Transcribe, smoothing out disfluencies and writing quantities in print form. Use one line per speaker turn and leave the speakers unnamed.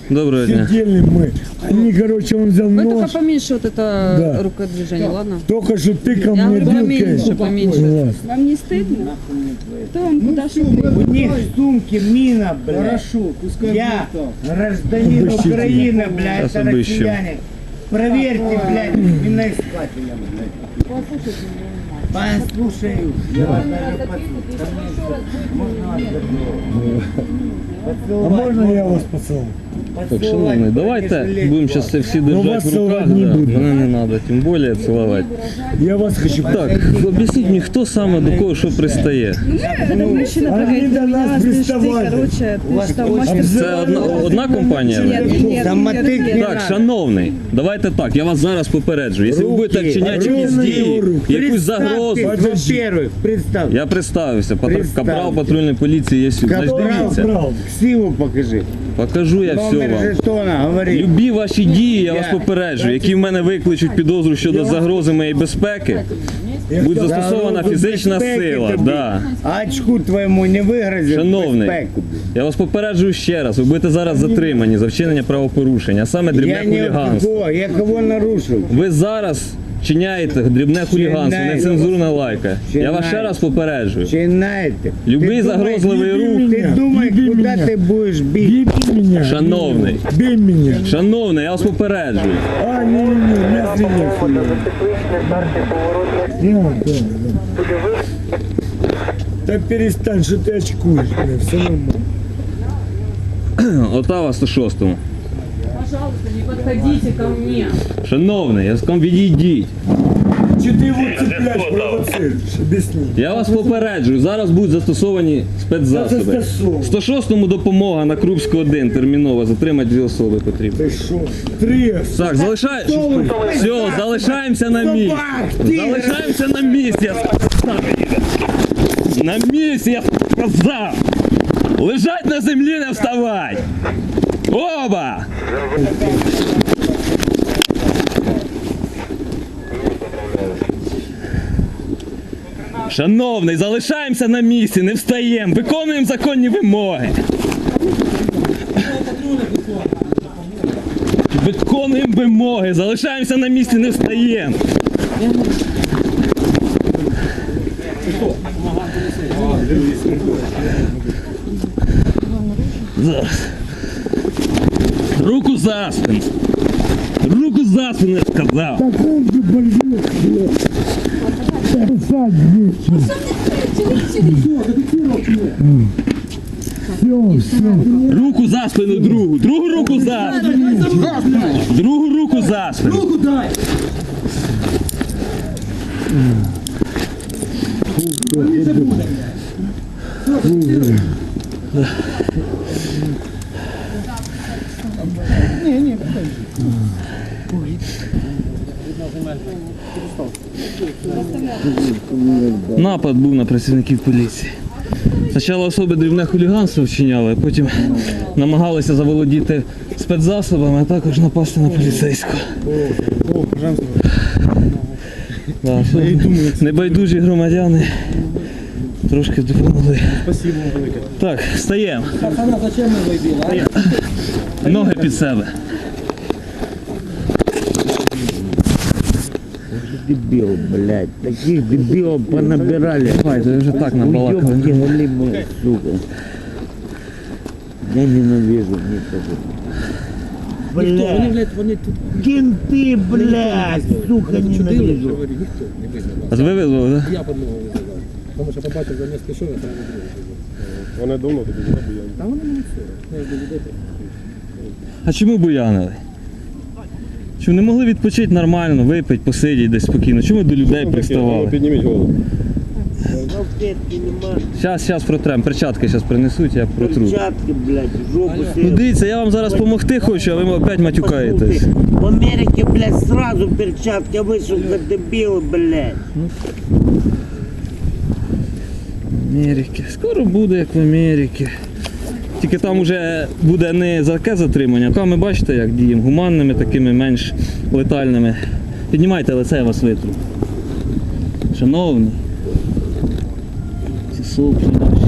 Доброго дня.
Сидели мы. Они, короче, он взял
Вы только
нож.
поменьше вот это
Да.
рукодвижение, ладно?
Только что тыкал
Я
мне
говорю,
вилкой.
поменьше, поменьше.
Класс.
Вам не стыдно? Кто вам куда шутит?
У них в сумке мина, блядь.
Хорошо, пускай
Я
будет так.
гражданин
Обыщите.
Украины, блядь,
Сейчас
это
обыщем.
россияне. Проверьте, блядь, миноискателя, блядь. Послушаю. Я вас даже послушаю. Можно вас
А можно я вас поцелую?
Так, шановний, давайте будемо зараз це всі
Ну,
держати
вас
в руках.
цілувати не
Да.
буду.
Мене не треба, тим більше цілувати.
Я вас хочу.
Так, об'ясніть мені, хто саме до кого що пристає?
Это мужчина
Они
прыгает
до
на меня,
нас
слышь, ты,
приставали.
короче, ты что, мастер?
Це одна компанія?
Нет, нет,
Самотык
нет,
не
Так,
надо.
шановний, давайте так, я вас зараз попереджую. Якщо ви будете вчиняти якісь
руки,
дії,
руки.
якусь загрозу,
Представьтесь, во-первых, представь.
я представився,
Представте.
капрал патрульної поліції є сюди. Значить,
Капрал,
дивіться,
Брал.
Ксиву покажи.
покажу я все
Номер
вам.
жетона, говори.
Любі ваші дії, я вас
Я-
попереджую, які в мене викличуть підозру щодо загрози моєї безпеки, буде застосована
Загрозу
фізична
безпеки
сила.
тобі.
Да.
А очку твоєму не вигрозить
Шановний,
безпеку.
я вас попереджую ще раз, ви будете зараз затримані за вчинення правопорушення, а саме дрібне
Я не
хуліганство.
кого, я кого нарушив?
Ви зараз вчиняєте дрібне хуліганство,
Чинаю.
нецензурна лайка. Я вас ще
Чинаю.
раз попереджую.
Чинаєте?
Любий
Ти думай,
загрозливий рух.
Ти думай,
Люби
куди
мене.
ти будеш бити.
Бей меня.
Шановний,
Бей меня.
шановний, я вас попереджую.
А, не, я приехал. Да. Да перестань, что ты очкуешь, бля, все нормально.
Отава 106-му.
Пожалуйста, не подходите ко мне.
Шановний, я сказав, відійдіть.
Че ты его цепляешь, провоцируешь? Объясни.
Я вас попереджую, зараз будуть застосовані спецзасоби.
Та це 106.
106-му допомога на Крупську 1 терміново, затримати 2 особи потрібно.
Ты шо? 3.
Так, все, залишаємося на місці. Залишаємося на місці, я сказав. На місці, я сказав. Лежать на землі, не вставать. Оба! Шановний, залишаємося на місці, не встаємо, виконуємо законні вимоги. Виконуємо вимоги, залишаємося на місці, не встаємо. Зараз. Руку за спину. Руку за спину, я сказав.
Так он же больной, блядь. Посадь здесь. Все.
Руку за спину другу. Другу руку за спину. Другу руку за спину.
Руку дай!
Напад був на працівників поліції. Спочатку особи дрібне хуліганство вчиняли, а потім намагалися заволодіти спецзасобами, а також напасти на поліцейського. Да, небайдужі громадяни трошки допомогли.
Спасибо вам велике.
Так, встаємо.
Пацана, зачем ми вибили?
Ноги під себе.
Дебил, блядь. Таких дебилов понабирали.
Давай, ти вже так
Уёбки
набалакали.
голимые, сука. Я ненавижу никого.
Вони,
Блядь,
блядь, вони тут
кенты, блядь, сука,
чудили,
ненавижу.
говорю, ніхто не визнав.
А ви визвали, так?
Я подмову визнав. Тому що побачив за місто, що я сразу зробив.
Вони давно тобі не бояться.
Та вони мені все. Я ж до людей.
А чому буянили? Чому не могли відпочити нормально, випити, посидіти десь спокійно? Чому до людей приставали?
Підніміть голову.
Салфетки нема,
Зараз протрем, перчатки зараз принесуть, я протру.
перчатки, блядь, в жопу
Ну
себе.
дивіться, я вам зараз допомогти хочу, а ви опять матюкаєтесь.
В Америке, блядь, сразу перчатки, а вы, сука, дебилы, блядь.
Америки. Скоро буде, як в Америці. Тільки там вже буде не за таке затримання, а ми бачите, як діємо, гуманними, такими менш летальними. Піднімайте лице, я вас витру. Шановні, ці соплі наші.